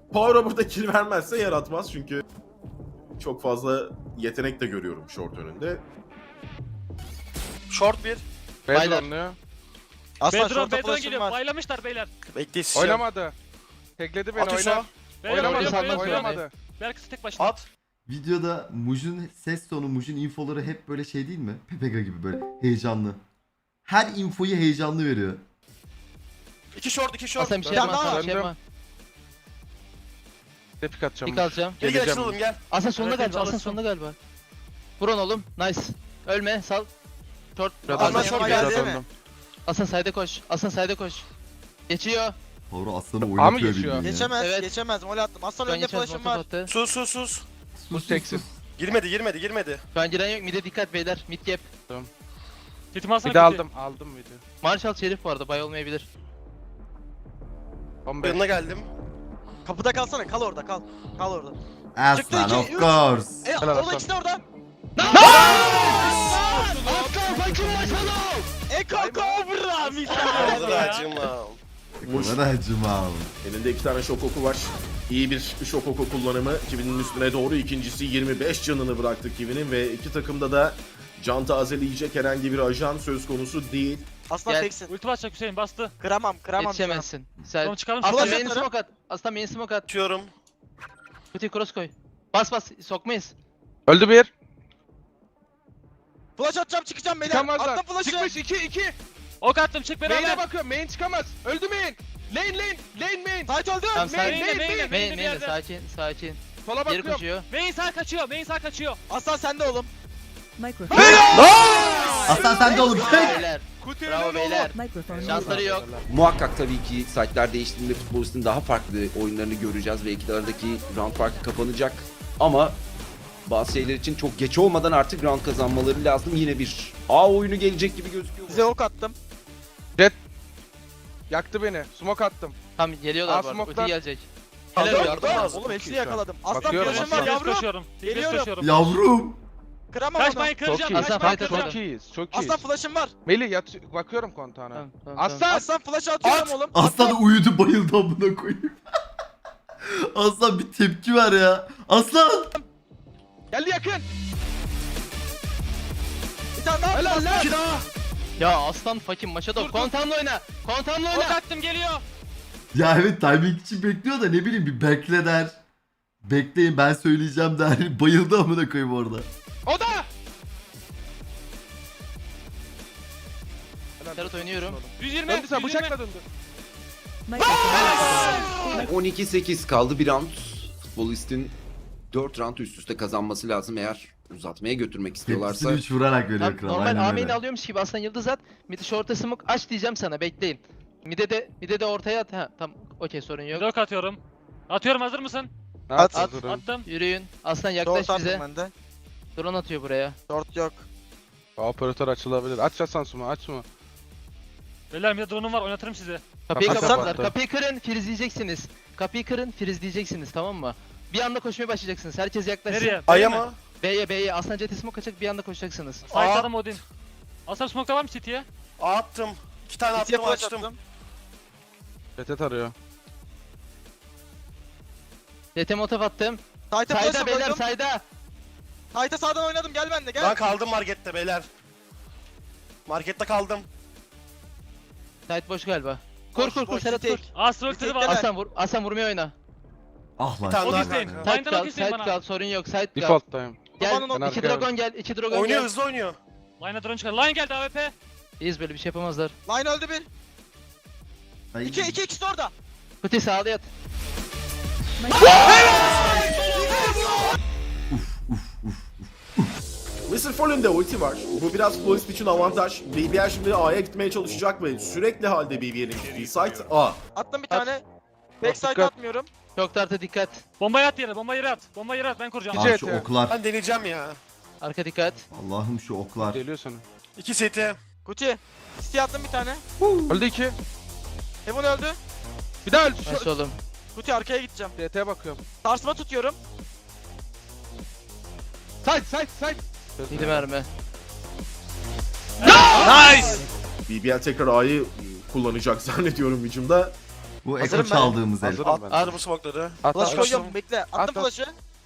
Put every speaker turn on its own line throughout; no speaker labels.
Power'a burada kill vermezse yaratmaz çünkü çok fazla yetenek de görüyorum short önünde.
Short bir.
Baylar.
Beyler oynuyor.
Aslan
Bedron,
şorta
Bedron
flash'ım
geliyor.
var.
Baylamışlar beyler.
Bekle isteyeceğim.
Oynamadı. Tekledi beni,
At
oynar.
Hüso.
Beyler
Oynamadı,
oynuyor,
Oynamadı,
oynuyor.
oynamadı.
Berkası tek başına.
At.
Videoda Muj'un ses tonu, Muj'un infoları hep böyle şey değil mi? Pepega gibi böyle heyecanlı. Her infoyu heyecanlı veriyor.
2 short 2 short.
Aslan bir şey
Döndüm,
yapma, Aslan bir şey
döndüm.
yapma.
Tepik atacağım.
Pik alacağım.
Gel gel
Geleceğim.
açılalım gel.
Aslan sonunda
Evet,
galiba, Aslan
çalışsın.
sonunda galiba. Vurun oğlum, nice. Ölme, sal. Short.
Biraz
Aslan
döndüm,
short
biraz
geldi
döndüm.
Aslan side'e koş, Aslan side'e koş. Geçiyor.
Power aslanı
mı
oynatıyor
geçiyor?
bildiğin ya.
Geçemez,
Evet.
geçemez. Mol attım. Aslan
Şu an
önünde
geçmez,
flash'ım
montaj
var.
attı.
Sus sus sus.
Bu teksin.
Girmedi.
Şu an giren yok, mid'e dikkat beyler, mid gap.
Titimi alsana.
Bir de
kötü.
aldım video.
Marshall Şerif bu arada, bay olmayabilir.
15.
Yanına geldim.
Kapıda kalsana, kal orada, kal. Kal orada.
Aslan
Çıktı
of
iki, üç.
course.
Helal
Orada
Aslan.
ikisi de orada.
Aslan fakir Marshall'ım!
Kobra
Ağzına
misal.
acımam.
Muş
Bana acımam.
elinde 2 tane şok oku var. İyi bir şok oku kullanımı. Kivi'nin üstüne doğru, ikincisi 25 canını bıraktı Kivi'nin ve iki takımda da can tazeleyecek herhangi bir ajan söz konusu değil.
Aslan
Gel.
teksin.
Ulti basacak Hüseyin bastı.
Kıramam.
Yetişemezsin. Sen...
Tamam çıkalım.
Aslan
Flash
main
atarım.
smoke at. Aslan main smoke at.
Atıyorum.
Kutuyu cross koy. Bas, sokmayız.
Öldü bir.
Flash atacağım, çıkacağım beyler.
Çıkamazlar.
Attım flash'ı.
Çıkmış 2.
Ok attım çık
Main'e
beraber.
bakıyorum. Main çıkamaz. Öldü main. Lane main.
Tight öldü.
Tamam,
Main,
sakin.
main,
main.
Main,
bir
main,
yerde.
sakin.
Sola
Geri
bakıyorum.
koşuyor.
Main sağ kaçıyor. Main sağ kaçıyor.
Aslan sende oğlum.
Microphone.
Aslan sen de oğlum.
Bravo beyler.
Kutu
Bravo
önünde
beyler.
Microphone.
Şansları yok.
Muhakkak tabii ki site'ler değiştiğinde futbolistin daha farklı oyunlarını göreceğiz ve iki aradaki round farkı kapanacak. Ama bazı şeyler için çok geç olmadan artık round kazanmaları lazım. Yine bir A oyunu gelecek gibi gözüküyor.
Size ok attım.
Yaktı beni. Smoke attım.
Tam geliyorlar bu arada.
Smoke'dan-
Ulti gelecek.
Aldım,
Helal
yardım
olsun.
lazım.
Oğlum hepsini yakaladım. Aslan
Bakıyorum,
flash'ım var
Aslan.
yavrum.
Koşuyorum.
Geliyorum.
Koşuyorum.
Yavrum.
Kıramam onu.
Kaçmayın
Çok
kıracağım.
iyi.
Aslan
Kaçmayın
fight
kıracağım.
Çok iyiyiz. Çok iyiyiz.
Aslan flash'ım var.
Melih bakıyorum kontağına.
Tamam.
Aslan.
Aslan flash'ı atıyorum oğlum.
Aslan uyudu bayıldı amına koyayım. Aslan bir tepki ver ya. Aslan.
Geldi yakın.
Bir tane daha.
Helal lan.
İki daha.
Ya aslan fakir Maşadov. Kontanla oyna. Kontanla
Ok
oyna.
attım geliyor.
Ya evet timing için bekliyor da ne bileyim bir bekle der. Bekleyin ben söyleyeceğim der. Bayıldı amına koyayım orada.
O da.
Serhat oynuyorum.
120.
Döndü sen
120.
bıçakla döndü.
Microphone.
12-8 kaldı bir round. Futbolistin 4 round üst üste kazanması lazım eğer uzatmaya götürmek istiyorlarsa.
Tepkisini 3 vurarak veriyor
Tam
kral.
normal
Aynen
Amin'i
öyle.
alıyormuş gibi aslan yıldız at. Mid'i short'a smoke aç diyeceğim sana, bekleyin. Mid'e de ortaya at. Ha tamam, okey, sorun yok.
Ok atıyorum. Atıyorum, hazır mısın?
At.
Attım.
Yürüyün. Aslan yaklaş
Short
bize.
attım ben de.
Drone atıyor buraya.
Short yok.
Operatör açılabilir. Aç Hasan Suma aç mı?
Beyler bir de drone'um var, oynatırım sizi.
Kapıyı
Kapı
kapatlar.
kapattı.
Kapıyı kırın, frizleyeceksiniz. Kapıyı kırın, frizleyeceksiniz, tamam mı? Bir anda koşmaya başlayacaksınız. Herkes yaklaşsın.
Nereye?
Aya
B'ye mi?
mı?
B'ye. Aslan Jet'i smoke açacak, bir anda koşacaksınız.
Fightladım Odin. Aslan smoke'da var mı City'ye?
A attım. 2 tane
İkiye
attım
flash
açtım.
attım.
Retet arıyor.
Jet'e motof attım.
Tight'a
Sayda
flash'ı
beyler,
koydum.
sayda.
Tight'a sağdan oynadım. Gel bende
Ben
gel.
kaldım markette beyler. Markette kaldım.
Side boş galiba. Kur
boş,
Serhat
tek.
kur.
Astro ulti var.
Tekte
Aslan vurmaya oyna.
Ah lan.
Bir tane
Ok
daha
isteyin.
kanka.
Side
Line'dan ok
kal,
isteyin
side
bana.
kal, sorun yok, side kal.
Default'tayım.
Gel,
Babanın
ok-
iki
Ben
dragon gel, iki dragon
Oynuyor
gel.
hızlı oynuyor.
Line'a drone çıkar. Line geldi AWP.
İyiyiz, böyle bir şey yapamazlar.
Line öldü bir.
Ay.
İki ikisi de orada.
Kuti sağda yat.
Mr. Fallen'de ulti var. Bu biraz futbolist için avantaj. BBL şimdi A'ya gitmeye çalışacak ve sürekli halde BBL'in gittiği site A.
Attım bir
At.
tane. Backside
Dikkat.
atmıyorum.
Çok tartı dikkat.
Bombayı at yere, bombayı yere at. Bombayı yere at, ben kuracağım.
Gece-
Abi şu oklar.
Ben deneyeceğim ya.
Arka dikkat.
Allah'ım şu oklar.
Geliyor sana.
2 seti.
Kuti. City attım bir tane.
Öldü 2.
Heaven öldü.
Bir daha öldü.
Nasıl oğlum?
Kuti arkaya gideceğim.
DT'ye bakıyorum.
Sarsma tutuyorum.
Side.
Yedi mermi.
Nice.
BBL tekrar A'yı kullanacak zannediyorum hücumda.
Bu
Hazırım
eko
ben.
çaldığımız el.
Hazırım ben.
Attım bu smoke'ları.
At
Flash
at.
koyuyorum bekle. Attım
At, at.
flash'ı.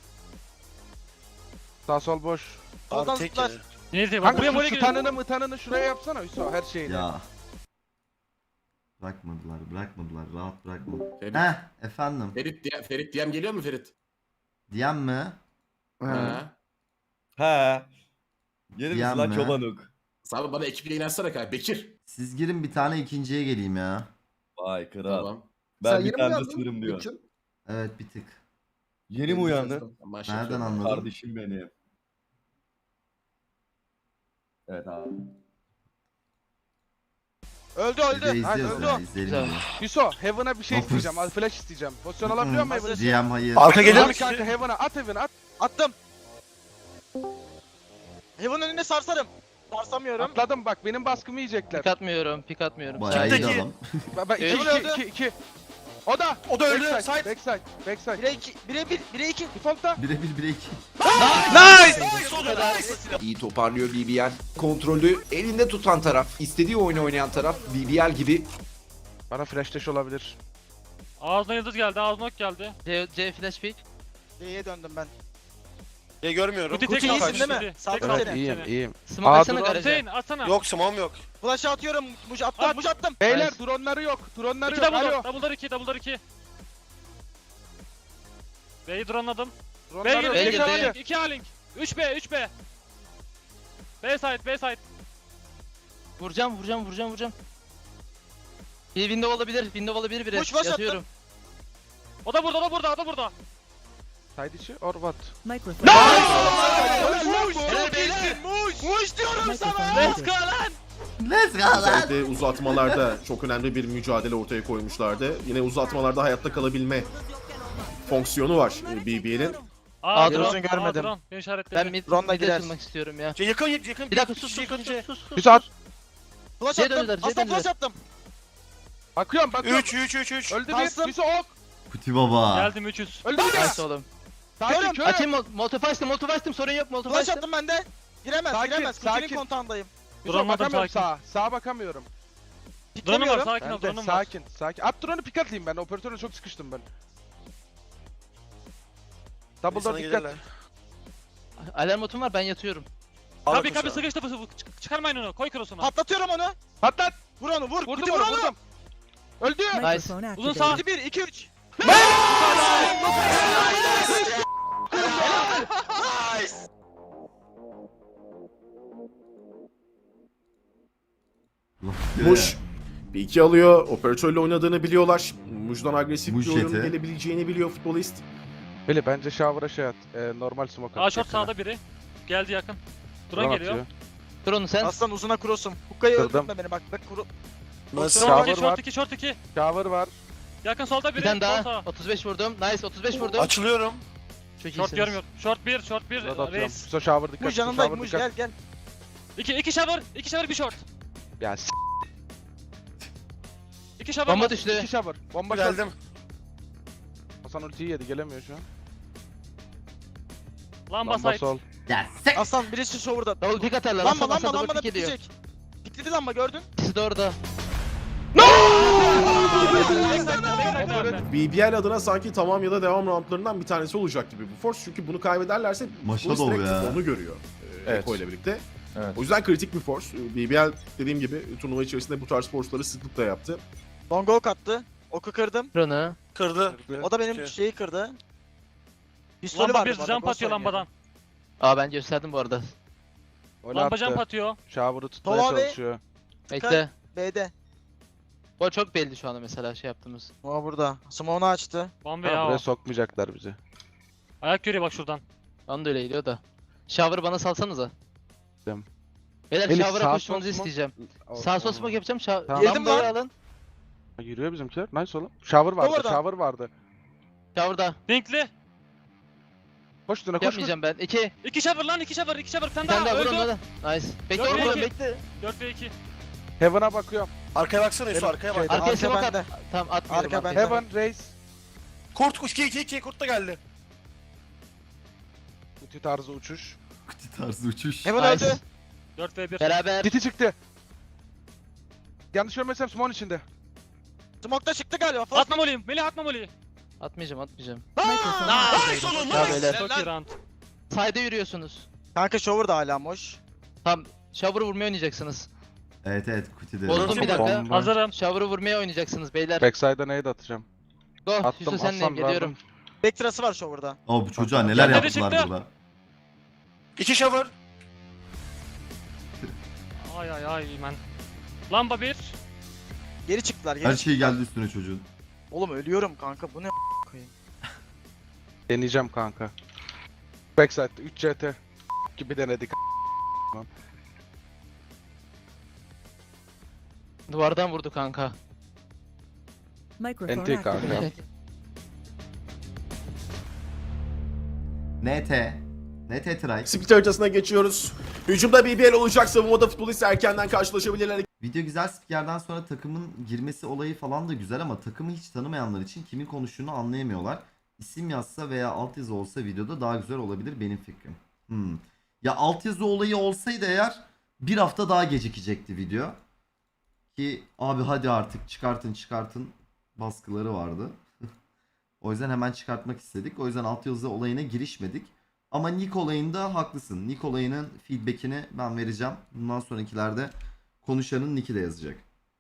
Sağ sol boş.
Soldan
Abi tek
zıplar.
yedi.
Neyse bak
Kanka
buraya
şu
böyle giriyor.
tanını şuraya yapsana Hüso her şeyini.
Ya. Bırakmadılar. Rahat bırakmadılar.
Ferit,
Heh efendim.
Ferit DM geliyor mu Ferit?
Diyen mi?
Ha.
He. Gelir
Diyen
misin lan
mi?
çobanuk?
Abi bana ekip yayın açsana kanka. Bekir.
Siz girin bir tane ikinciye geleyim ya.
Vay kral.
Tamam.
Ben bir tane de sınırım diyor.
Evet bir tık.
Yeni mi uyandın?
Nereden anladın?
Kardeşim benim. Evet abi.
Öldü
Bir de
öldü.
izliyoruz
Öldü
ya
o.
izleyelim
Güzel.
bunu.
Hüso Heaven'a bir şey
Of.
isteyeceğim. Al flash isteyeceğim. Pozisyon alabiliyor muyum Heaven'a?
GM hayır.
Arka gelir
Abi
mi?
kanka Heaven'a at Heaven'a at.
Attım. Heaven önüne sarsarım. Sarsamıyorum.
Atladım bak benim baskımı yiyecekler.
Pik atmıyorum.
Bayağı iyi
Kimdeki?
adam.
Ben
Evet.
2. O da.
O da öldü.
Backside.
Side.
Backside. Backside.
1'e 2. 1'e 1. 1'e 2.
Default'ta.
Birebir 1'e 2.
İyi toparlıyor BBL. Kontrolü elinde tutan taraf, istediği oyunu oynayan taraf BBL gibi.
Bana flash dash olabilir.
Ağzına yıldız geldi, ağzına ok geldi.
C flash pick.
C'ye döndüm ben.
Görmüyorum.
Kuti
Kuti
tek
iyisin
kaldı.
değil mi?
Kuti.
Sağ
Tek
ol.
kaldı
Evet iyiyim
seni.
iyiyim.
Smoke
Aa,
atsana
dur,
garaja.
Hüseyin atsana.
Yok smoke'um yok.
Flash'ı atıyorum. Muj attım.
At.
Muj attım.
Beyler
Nice.
dronları yok. Dronları
İki
yok.
double
Alo.
door. Double'lar 2, double'lar 2. B'yi drone'ladım.
Dronları
B'ye
yok.
B'ye
girdi.
girdi.
2 A-Link. 3B, 3B. B side, B side.
Vuracağım. Bir window olabilir biri.
Push, push
Yatıyorum.
O da burada, o da burada, o da burada.
Side içi or what?
Microphone.
Helal beyler.
Muj diyorum sana.
Microphone
Let's go
muted.
lan.
Let's go lan.
Özellikle uzatmalarda çok önemli bir mücadele ortaya koymuşlardı. Yine uzatmalarda hayatta kalabilme fonksiyonu var BBL'in.
Aa,
drone
drone
görmedim.
Drone. Beni işaretledi.
Ben mid
Drone'la
mid'e
gider.
açılmak istiyorum ya.
Yakın.
Bir dakika sus.
Hüso at.
Flash
C
attım.
döndüler, C
Aslan flash
döndüler.
attım.
Bakıyorum.
3.
Öldü
Kalsın.
bir. Hüso ok.
Kuti baba.
Geldim 300.
Öldü bir.
Nice oğlum.
Sakin
Körüm.
körüm.
Açayım molotov açtım sorun yok molotov
Flash
açtım.
attım ben de. Giremez
Sakin,
giremez.
sakin.
Kutinin kontağındayım.
Hüso
Drone'ladım,
bakamıyorum
sakin.
sağa. Sağa bakamıyorum.
Drone'um var,
Piklemiyorum.
sakin ol,
Ben de
drone'um var.
sakin. At drone'u pick atlayayım ben. Operatörle çok sıkıştım ben. Double door dikkat.
Alarm botum var ben yatıyorum.
Kabi sıkıştı, çıkarmayın onu, koy cross'unu.
Patlatıyorum onu.
Patlat.
Vur onu vur.
Vurdum
Kuti vur
onu
onu.
vurdum. Öldü.
Microphone
Uzun
activated.
sağ.
1 2 3.
Muş bir iki alıyor. Operatörle oynadığını biliyorlar. Muş'dan agresif
Muş
bir oyun
yeti.
gelebileceğini biliyor futbolist.
Beli bence shower'a şey at. Normal smoke at.
Aa short sağda biri. Geldi yakın. Drone geliyor.
Dur onu sen.
Aslan uzuna cross'um. Hukkayı
Kırdım.
öldürme beni bak. Bak kuru.
Short 2,
Shower var.
short 2, short 2.
Shower var.
Yakın solda
Bir
biri.
tane
Sol
daha.
sağ.
35 vurdum. Nice 35 vurdum.
Açılıyorum.
Çok
Short
iyisiniz.
görmüyor. Short 1, short 1.
Burada atıyorum.
Reis.
Hüso shower dikkat.
Muj
Hüso
yanındayım
shower
Muj
dikkat.
gel gel.
2 shower, 2 shower, 1 short.
Ya
2 shower.
Bomba
var.
düştü.
2 shower. Bomba short.
Geldim.
Hasan ultiyi yedi gelemiyor şu an.
Lamba
Lamba
side.
sol.
Ya sek.
Aslan birisi şovurda.
Double pick atarlar.
Lamba
Lamba
lamba
double
lamba da
pick ediyor.
pikleyecek. Pikledi lamba gördün.
İkisi de orada.
BBL adına sanki tamam ya da devam roundlarından bir tanesi olacak gibi bu force. Çünkü bunu kaybederlerse
Maşa
bu
dolu
direkt
ya.
onu görüyor.
Evet.
Eko ile birlikte.
Evet.
O yüzden kritik bir force. BBL dediğim gibi turnuva içerisinde bu tarz force'ları sıklıkla yaptı.
Long ok attı. Oku kırdım.
Drone'u.
Kırdı.
O da benim şeyi kırdı. Pistolü
Lamba
vardı
1
bu arada,
jump
cross
atıyor
oynuyor.
lambadan.
Aa ben gösterdim bu arada.
Öyle
Lamba jump
attı.
atıyor.
Shower'ı tutmaya
Tolga abi.
çalışıyor.
Bekle.
B'de.
O çok belli şu anda mesela şey yaptığımız.
O burada. Smoke'unu açtı.
Bomba
Ha,
ya
buraya
o.
sokmayacaklar bizi.
Ayak görüyor bak şuradan.
Onu da öyle geliyor da. Shower'ı bana salsanıza.
Tamam.
Beyler
Elif,
shower'a
sağ
koşmanızı
sol
isteyeceğim.
O-
Sağ sol
o-
smoke yapacağım.
Tamam.
Yedim
Lambayı
lan.
alın.
Yürüyor bizimkiler. Nice oğlum. Shower vardı.
Orada.
Shower vardı.
Shower'da.
Dinkli.
Koş üstüne koş. koş.
Yapmayacağım ben. 2.
2 shower lan, 2 shower, 2 shower. Bir tane
Bir tane
daha
daha vur onu
öldü.
da. Nice. Bekle
Yok,
oğlum
iki.
bekle.
4 ve 2.
Heaven'a bakıyorum.
Arkaya baksana Yusuf, arkaya bak.
Şeyde-
Arkaya
Arka
smoke
bende.
at. Tamam atmıyorum.
Arka
arkaya.
bende.
Heaven, Raze.
Kurt 2 kurt da geldi.
Ulti tarzı uçuş.
Kuti tarzı uçuş.
Hemen
Nice.
öldü.
4 ve 1.
Beraber.
Titi çıktı. Yanlış görmezsem Smon içinde.
Smoke'da çıktı galiba. Flash.
Atma moliyim. Melih atma moliyi.
Atmayacağım.
Nice oğlum
Ya
nice.
beyler.
Çok iyi round.
Side'e yürüyorsunuz.
Kanka shower da hala boş.
Tam shower'ı vurmaya oynayacaksınız.
Evet Kuti'de.
Bozdum bir dakika.
Bomba.
Hazırım.
Shower'ı vurmaya oynayacaksınız beyler.
Backside'a nade atacağım.
Go.
Attım,
Yusuf senleyim
Hasan
geliyorum.
verdim.
Backtrası var shower'da.
O bu çocuğa neler
Nerede
yaptılar
çıktı?
burada.
2 shower.
Ay ay ay man. Lamba 1.
Geri çıktılar.
Her
Geri
şey geldi üstüne çocuğun.
Oğlum ölüyorum kanka. Bu ne koyayım.
Deneyeceğim kanka. Backside'da 3 CT gibi denedik.
Duvardan vurdu kanka.
Microphone
NT kanka.
activated.
NT try.
Split haritasına geçiyoruz. Hücumda BBL olacak. Savunmada futbolist erkenden karşılaşabilirler.
Video güzel, spikerden sonra takımın girmesi olayı falan da güzel ama takımı hiç tanımayanlar için kimin konuştuğunu anlayamıyorlar. İsim yazsa veya altyazı olsa videoda daha güzel olabilir benim fikrim. Ya altyazı olayı olsaydı eğer bir hafta daha gecikecekti video. Ki abi hadi artık çıkartın baskıları vardı. O yüzden hemen çıkartmak istedik. O yüzden altyazı olayına girişmedik. Ama Nick olayında haklısın. Nick olayının feedbackini ben vereceğim. Bundan sonrakilerde konuşanın nick'i de yazacak.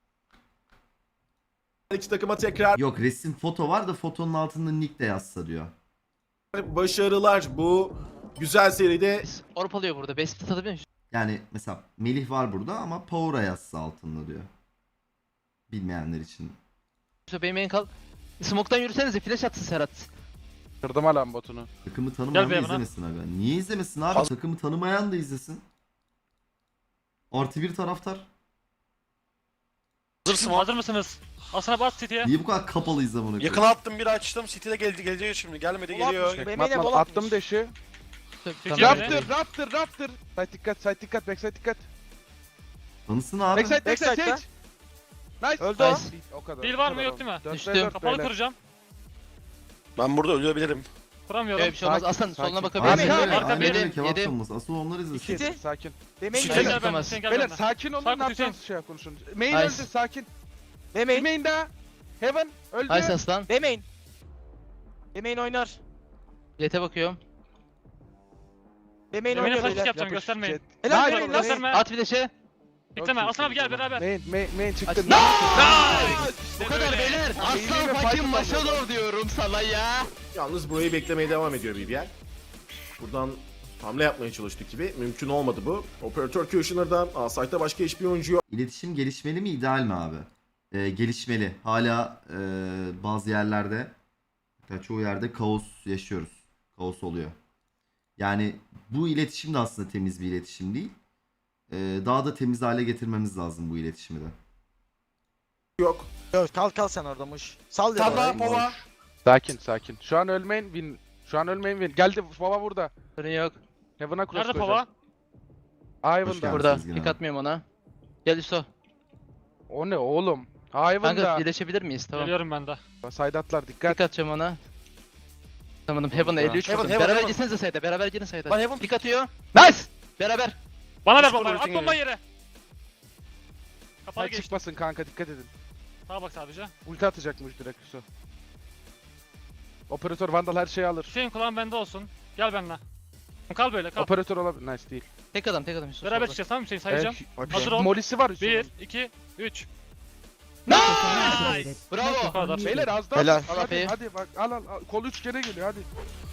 İki takıma tekrar
Yok resim foto var da fotonun altında nick de yazsa diyor.
başarılar. Bu güzel seride
Orp alıyor burada. Best split atabiliyor musun?
Yani mesela Melih var burada ama Power'a yazsa altında diyor. Bilmeyenler için.
Yusuf benim en kal. Smoke'tan yürüsenize flash atsın Serhat.
Kırdım alan botunu.
Takımı tanımayan da
Gel be
izlemesin abi. Niye izlemesin abi? Takımı tanımayan da izlesin. Artı bir taraftar.
Hazırsın.
Hazır mısınız? Asana bas City'ye.
Niye bu kadar kapalı izle bunu?
Yakına attım bir açtım. City'de gelecek şimdi. Gelmedi
Bol
geliyor.
atmış. BM'yle
Matman
bol atmış.
attım deşi.
Tamam.
Raptor.
Raptor. Side dikkat, backside dikkat.
Tanısın abi.
Backside
Backside'da.
Sage. Nice.
Öldü o.
Nice.
O kadar.
Dil
o
var
kadar
mı, yok
oldu.
değil mi?
Dörtte
Düştüm.
dört
Kapalı
beyler.
kıracağım.
Ben burada ölebilirim.
Kuramıyorum.
Öyle bir şey olmaz.
Sakin,
Aslan soluna
sakin.
bakabilir
Aynen
miyim?
öyle.
Arka
Aynen öyle.
benim,
Kebap
yedim.
tanımaz. Asıl onlar izlesin.
City.
Sakin.
BM'yle
City.
Gel
gel.
ben,
tutamaz.
sen gel
Beyler
benimle.
sakin olun,
Sakin
ne yapacağınız
Hüseyin.
şey konuşun. Main
Nice.
öldü, sakin.
BM'in.
Main daha. Heaven öldü.
Nice aslan.
BM'in. BM'in oynar.
Jet'e bakıyorum.
BM'in
Yemeğine
oynuyor
flash
beyler.
yapacağım, göstermeyin.
Helal
Nice.
BM'in lan.
Gösterme.
At flash'e.
Bekleme. Aslan abi gel beraber.
Main çıktı.
Açın. Bu kadar beyler. Aslan fucking Maşadov diyorum sana ya.
yalnız burayı beklemeye devam ediyor BBL. Buradan hamle yapmaya çalıştık gibi. Mümkün olmadı bu. Operatör Kushner'dan A-Site'da başka hiçbir oyuncu yok.
İletişim gelişmeli mi ideal mi abi? Gelişmeli. Hala bazı yerlerde hatta çoğu yerde kaos yaşıyoruz. Kaos oluyor. Yani bu iletişim de aslında temiz bir iletişim değil. Daha da temiz hale getirmemiz lazım bu iletişimi de.
yok.
Yok, kal sen orada muş. Sal dedi.
Tarla
orayı.
pova.
Sakin. Şu an ölmeyin win. Geldi baba burada.
Sorun yok.
Heaven'a cross
Nerede
koyacağım.
Burada.
Hoş
Ivan'da.
geldin. Sezgin
Pick
abi.
atmıyorum ona. Gel Yusuf.
O ne oğlum?
Kanka
Ivan'da.
birleşebilir miyiz? Tamam.
Geliyorum ben de.
Saydatlar dikkat.
Pick atacağım ona. Tamam Heaven'a 53
Heaven,
vurdum.
Heaven,
Beraber
Heaven.
gitsenize sayda. Beraber girin sayda.
Lan Heaven.
Pick atıyor. Nice. Beraber.
Bana ver
Üç
bombayı.
vurdu,
At bombayı yere. Kapalı
Hay
geçti.
çıkmasın kanka dikkat edin.
Sağa bak sadece.
Ulti atacakmış direkt Yusuf. Operatör Vandal her şeyi alır.
Hüseyin kulağın bende olsun. Gel benimle. Kal böyle kal.
Operatör olabilir. Nice değil.
Tek adam Yusuf.
Beraber
solda.
çıkacağız tamam mı Hüseyin sayacağım.
Bak,
Hazır ol.
Molisi var Yusuf'un.
1, 2, 3.
Activated.
Bravo.
Bu kadar.
Beyler az daha.
Helal.
Hadi, hadi bak al. Kol 3 kere geliyor hadi.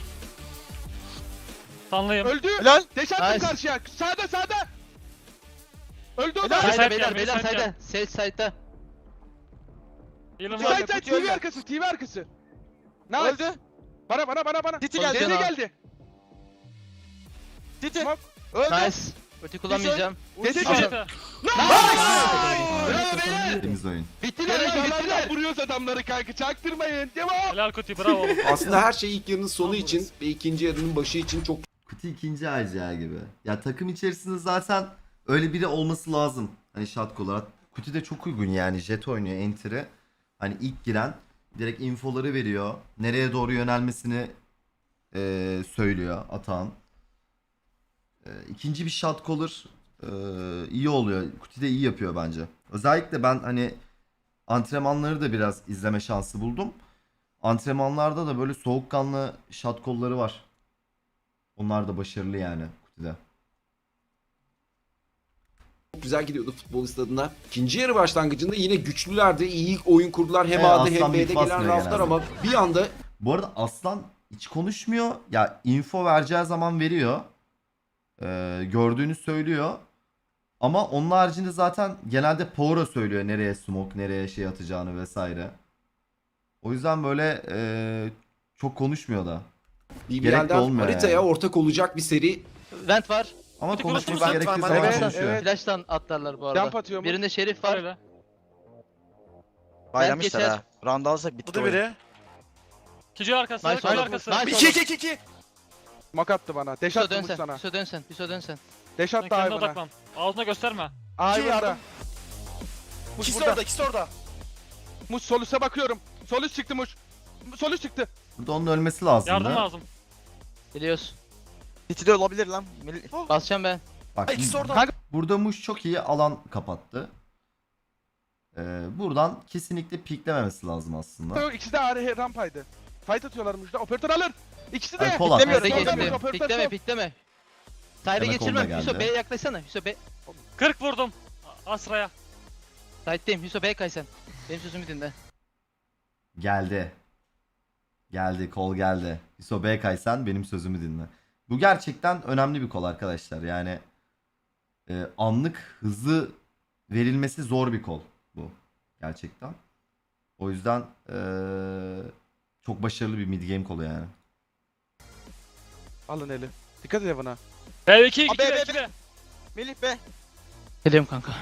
Sanlıyım.
Öldü.
Helal.
Deş attım
Nice.
karşıya. Sağda. Öldü o da.
Helal.
Sayda
Side
beyler
gel,
beyler
side gel.
sayda. Sage side'da.
Yılın
Tutuyor.
var.
Side
Tutuyor
TV
ya.
arkası. TV arkası. Nice.
Öldü.
Bana.
City
Öldü.
geldi.
Deli
Cana.
geldi.
City.
Smoke.
Öldü.
Nice. Ulti kullanmayacağım.
Desi
Al.
gel.
Bravo beyler.
Temiz oyun.
Bittiler lan bittiler.
Vuruyoruz adamları kanka. Çaktırmayın. Devam.
Helal Kuti bravo oğlum.
Aslında her şey ilk yarının sonu için ve ikinci yarının başı için çok
Kuti ikinci ICA gibi. Ya takım içerisinde zaten öyle biri olması lazım. Hani shot olarak. Kuti de çok uygun yani. Jet oynuyor enter'ı. Hani ilk giren direkt infoları veriyor. Nereye doğru yönelmesini söylüyor Atan. İkinci bir shot caller iyi oluyor. Kuti de iyi yapıyor bence. Özellikle ben hani antrenmanları da biraz izleme şansı buldum. Antrenmanlarda da böyle soğukkanlı shot kolları var. Onlar da başarılı yani Kuti'de.
Çok güzel gidiyordu futbolist adına. İkinci yarı başlangıcında yine güçlülerdi. İyi oyun kurdular. Hem A'da hem
Aslan
B'de
bir
gelen
basmıyor
raflar
genelde.
ama bir anda
Bu arada Aslan hiç konuşmuyor. Ya info vereceği zaman veriyor. Gördüğünü söylüyor. Ama onun haricinde zaten genelde Power'a söylüyor nereye smoke, nereye şey atacağını vesaire. O yüzden böyle çok konuşmuyor da. Gerek de
BBL'den
olmuyor
haritaya
yani.
ortak olacak bir seri.
Vent var.
Ama
Hadi
konuşması
konuşuruz.
gerektiği
Evet,
zaman
evet,
konuşuyor.
evet.
Flash'tan atlarlar bu arada.
Jump atıyor mu?
Birinde Şerif var.
Öyle.
Baylamışlar
geçer.
ha. Round alsak bitti
Bu da
oyun.
biri.
Kici arkası.
Nice
Kici
oğlum.
arkası.
Nice.
2.
Smoke attı bana. Deş
Hüso
attı
dön
Muş
sen.
sana.
Hüso dön sen. Hüso dön sen.
Deş
Sen
attı
kendine
hayvana.
odaklan. Ağzına gösterme.
Hayvanda. Muş
İkisi
burada.
orada, ikisi orada.
Muş sol üste bakıyorum. Sol üst çıktı Muş. Sol üst çıktı.
Burada onun ölmesi lazım.
Yardım
da.
lazım.
Geliyoruz.
City'de olabilir lan.
Basacağım ben.
Bak
İkisi orada.
Kanka-
burada Muş çok iyi alan kapattı. Buradan kesinlikle piklememesi lazım aslında.
İkisi de rampaydı. Fight atıyorlar Muş'ta. Operatör alır. İkisi de.
Ay, kol at.
Piklemiyoruz,
Hadi
sol
geçtim.
operatör
Pikleme
sol.
pikleme. Side'e
Demek
geçirmem.
onda
Hüso
geldi.
B'ye yaklaşsana. Hüso B.
40 vurdum. Asra'ya.
Side'deyim. Hüso B'ye kay sen. Benim sözümü dinle.
Geldi. Geldi, kol geldi. Hiso B kaysan benim sözümü dinle. Bu gerçekten önemli bir kol arkadaşlar. Yani anlık hızlı verilmesi zor bir kol bu. Gerçekten. O yüzden çok başarılı bir mid game kolu yani.
Alın eli. Dikkat et buna.
B2 2
Aa, B, B,
2 B.
Melih be.
Geliyorum kanka.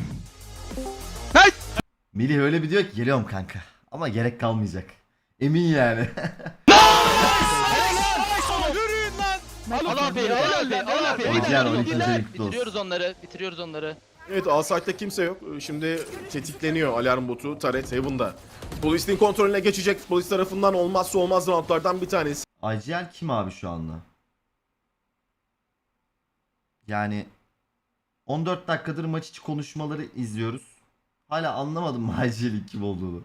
Melih öyle bir diyor ki geliyorum kanka. Ama gerek kalmayacak. Emin yani.
Yürüyün lan.
Al abi, al abi, al abi.
Orijinal 12. ayın kutlu olsun.
Bitiriyoruz onları, bitiriyoruz onları.
Evet, A-Site'da kimse yok. Şimdi tetikleniyor alarm botu. Turret Heaven'da. Futbolistin kontrolüne geçecek. Futbolist tarafından olmazsa olmaz roundlardan bir tanesi.
IGL kim abi şu anda? Yani 14 dakikadır maç içi konuşmaları izliyoruz. Hala anlamadım mı IGL'in kim olduğunu.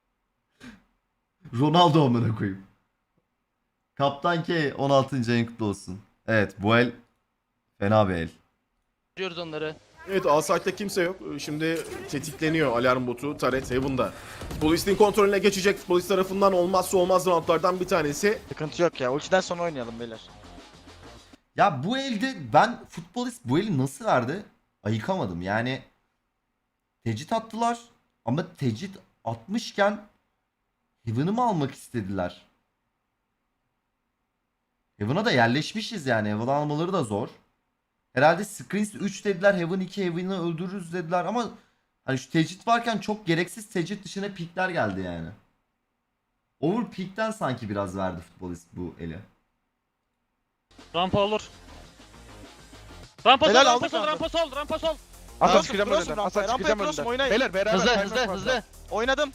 Ronaldo amına koyayım. Kaptan K 16. ayın kutlu olsun. Evet, bu el fena bir el.
Bitiriyoruz onları.
Evet, A-Site'da kimse yok. Şimdi tetikleniyor alarm botu. Turret Heaven'da. Futbolistin kontrolüne geçecek. Futbolist tarafından olmazsa olmaz roundlardan bir tanesi.
Sıkıntı yok ya. Ultiden sonra oynayalım beyler.
Ya bu elde ben futbolist bu eli nasıl verdi? Ayıkamadım. Yani tecrit attılar ama tecrit atmışken Heaven'ı mı almak istediler? Heaven'a da yerleşmişiz yani. Heaven almaları da zor. Herhalde Screens 3 dediler. Heaven 2 Heaven'ı öldürürüz dediler ama hani şu tecrit varken çok gereksiz tecrit dışına pikler geldi yani. Overpeak'ten sanki biraz verdi futbolist bu eli.
Rampa olur. Rampa sol,
Helal,
rampa
aldık
sol,
kanka.
rampa sol, rampa sol.
Asa
Cross,
çıkacağım
cross
önünden.
rampaya,
Asa
rampaya
çıkacağım
cross
önünden.
oynayın.
Beyler beraber
Hızlı,
kaymak
hızlı,
fazla.
hızlı.
Oynadım.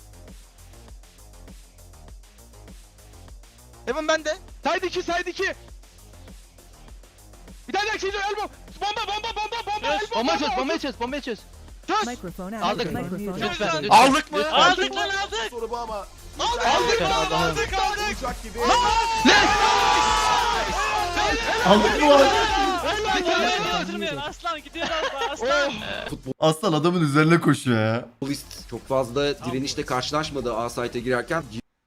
Heaven bende.
Side 2 side 2. Bir tane daha çiziyor elbow. Bomba.
Yes.
Elbow,
Bomba çöz, bomba çöz, bomba çöz.
Microphone
Aldık.
activated. Microphone
Lütfen,
activated.
lütfen.
Aldık mı?
Lütfen.
Aldık lan aldık.
Soru bu ama.
Aldık lan,
Allah'ım.
aldık.
Olacak gibi.
Aldık mı lan?
Götürmeyin aslan gidiyor aslan.
Aslan adamın üzerine koşuyor ya.
Futbolist çok fazla direnişle karşılaşmadı A-Site'e girerken.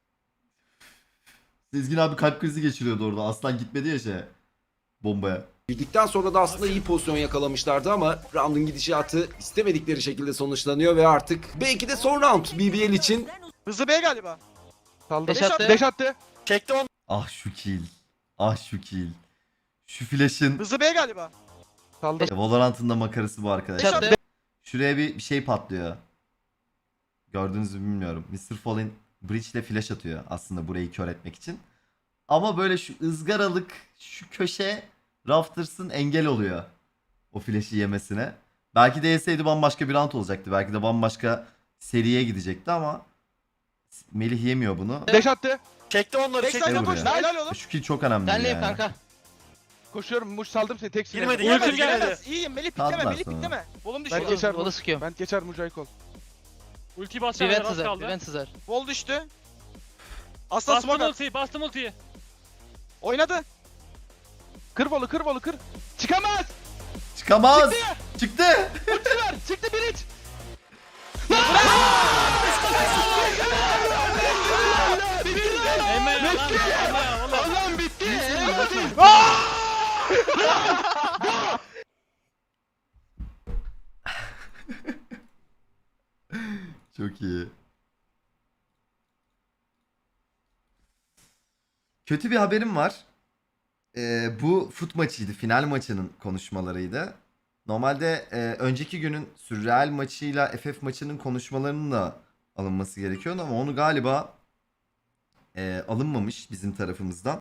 Sezgin abi kalp krizi geçiriyordu orada. Aslan gitmedi ya bombaya.
Girdikten sonra da aslında iyi pozisyon yakalamışlardı ama round'un gidişatı istemedikleri şekilde sonuçlanıyor ve artık belki de son round BBL için.
Hızlı B galiba.
Saldı.
Deş attı.
Deş attı.
Çekti onu.
Ah şu kill. Ah şu kill. Şu flash'ın
Hızlı B galiba.
Saldı.
Valorant'ın da makarası bu arkadaşlar.
Çattı.
Şuraya bir şey patlıyor. Gördünüz mü bilmiyorum. Mr. Fallen Bridge ile flash atıyor aslında burayı kör etmek için. Ama böyle şu ızgaralık şu köşe Rafters'ın engel oluyor. O flash'i yemesine. Belki de yeseydi bambaşka bir round olacaktı. Belki de bambaşka seriye gidecekti ama Melih yemiyor bunu.
Deş attı.
Çekti onları.
Ne
Çekti.
vuruyor?
Helal oğlum.
Şu kill çok önemli
Senleyim
yani.
kanka.
Koşuyorum. Muş saldım seni. Tek
Girmedi,
sinirlendim.
girmedi,
Giremez,
giremedi.
giremez. İyiyim Melih
Kaldılar
pikleme. Melih
sonra.
pikleme. Volum
Ben
düşüyor.
geçer
Vola sıkıyorum.
Ben geçer Mucay kol.
Ulti basacağım
Prevent
az
sızar.
kaldı.
Prevent sızar.
Wall düştü. Aslan
Bastım
smoke at.
ultiyi, bastım ultiyi.
Oynadı.
Kır Wall'u, kır Wall'u, kır. Çıkamaz.
Çıkamaz. Çıktı.
Çıktılar. Çıktı bir iç.
Emre lan. Emre oğlum.
Allah'ım bitti.
Çok iyi. Kötü bir haberim var. Bu fut maçıydı. Final maçının konuşmalarıydı. Normalde önceki günün Sürreal maçıyla FF maçının konuşmalarının da alınması gerekiyordu ama onu galiba alınmamış bizim tarafımızdan.